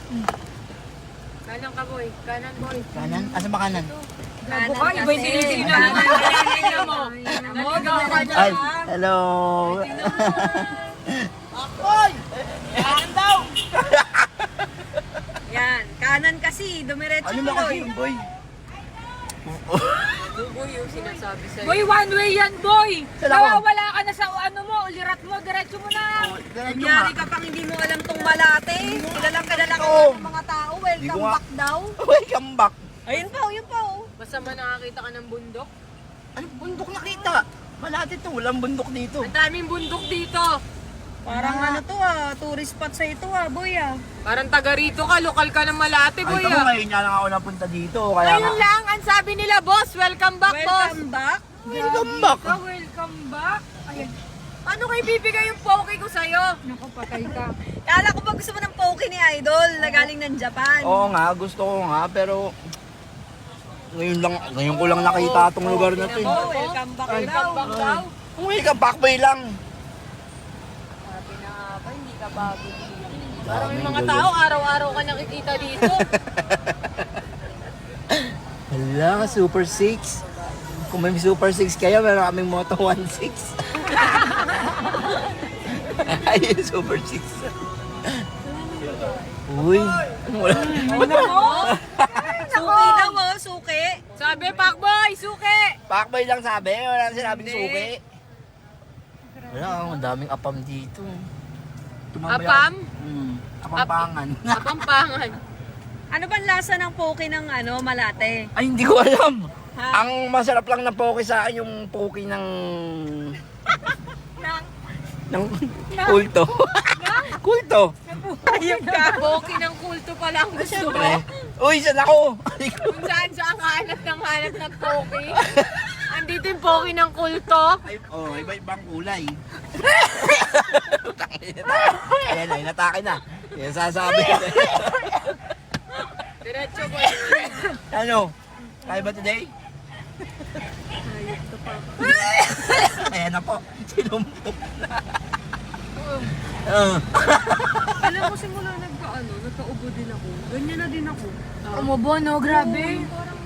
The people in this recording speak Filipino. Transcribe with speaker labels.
Speaker 1: Kanan ka, boy. Kanan, boy.
Speaker 2: Kanan? Asa ba kanan?
Speaker 1: Kanan ka, iba yung sinisignan mo. Tingnan mo. Naligaw ka dyan,
Speaker 2: Ay,
Speaker 1: ha?
Speaker 2: hello.
Speaker 1: Boy! Kanan daw!
Speaker 3: Yan, kanan kasi, dumiretso
Speaker 2: Ano
Speaker 3: ko.
Speaker 2: ba kasi yung boy?
Speaker 1: Boy, yung sinasabi sa'yo.
Speaker 4: Boy, one way yan, boy!
Speaker 2: Saan ako?
Speaker 4: Nawawala ka na sa ano mo, ulirat mo, diretso mo na!
Speaker 3: Kunyari ka pang hindi mo alam tong Malate. Kilalang kilala ka
Speaker 2: Oo.
Speaker 3: ng mga tao.
Speaker 2: Hindi ko
Speaker 3: Welcome
Speaker 2: nga-
Speaker 3: back daw.
Speaker 2: Welcome back.
Speaker 3: Ayun pa, yun pa. Oh.
Speaker 1: Basta man nakakita ka ng bundok.
Speaker 2: Anong bundok nakita? Malati to, walang bundok dito.
Speaker 1: Ang daming bundok dito.
Speaker 3: Parang ano to tourist spot sa ito boy
Speaker 1: Parang taga rito ka, lokal ka ng Malate,
Speaker 2: Ay,
Speaker 1: boy.
Speaker 2: tamo ngayon nga lang ako napunta dito. Kaya
Speaker 1: Ngayon
Speaker 2: nga.
Speaker 1: lang, ang sabi nila, boss, welcome back, boss.
Speaker 3: Welcome back.
Speaker 2: Welcome back.
Speaker 4: Welcome back! Ayan,
Speaker 1: Ano kayo bibigay yung poke ko sa'yo?
Speaker 4: naku, patay ka.
Speaker 3: Kala ko ba gusto mo ng poke ni Idol na galing ng Japan?
Speaker 2: Oo nga, gusto ko nga, pero ngayon ko lang nakita itong lugar na to.
Speaker 3: Oh, welcome back
Speaker 2: Ay,
Speaker 3: daw.
Speaker 1: Welcome back daw.
Speaker 2: Welcome back, boy lang.
Speaker 1: Sabi na nga ba, hindi ka bago dito. Parang may mga tao, araw-araw ka nakikita dito.
Speaker 2: Hala, Super 6. Kung may Super 6 kayo, meron kaming Moto 16. Ay, Super 6. Uy, wala.
Speaker 3: Suki daw suki.
Speaker 1: Sabi, Pakboy, suki!
Speaker 2: Pakboy lang sabi, wala nang sinabing
Speaker 3: Hindi.
Speaker 2: suki. Wala, ang daming apam dito.
Speaker 1: Apam?
Speaker 2: Apampangan.
Speaker 1: Kapampangan.
Speaker 3: Ano bang lasa ng poke ng Malate?
Speaker 2: Ay, hindi ko alam.
Speaker 3: Ha?
Speaker 2: Ang masarap lang na poke sa akin yung poke ng kulto. Kulto.
Speaker 1: Ayun ka. Poke ng kulto pala ang gusto mo.
Speaker 2: Uy, saan ako?
Speaker 1: Kung saan saan hanap ng poke. Andito yung poke ng kulto.
Speaker 2: Ay, oh, iba-ibang kulay. Ayan, ay natake na. Yan sasabi ko.
Speaker 1: Diretso, boy.
Speaker 2: Ano? Kaya ba today? Ayan na po. Sinumpok na.
Speaker 4: Alam mo, simula nagkaubo din ako. Ganyan na din ako. Umubo, no? Grabe.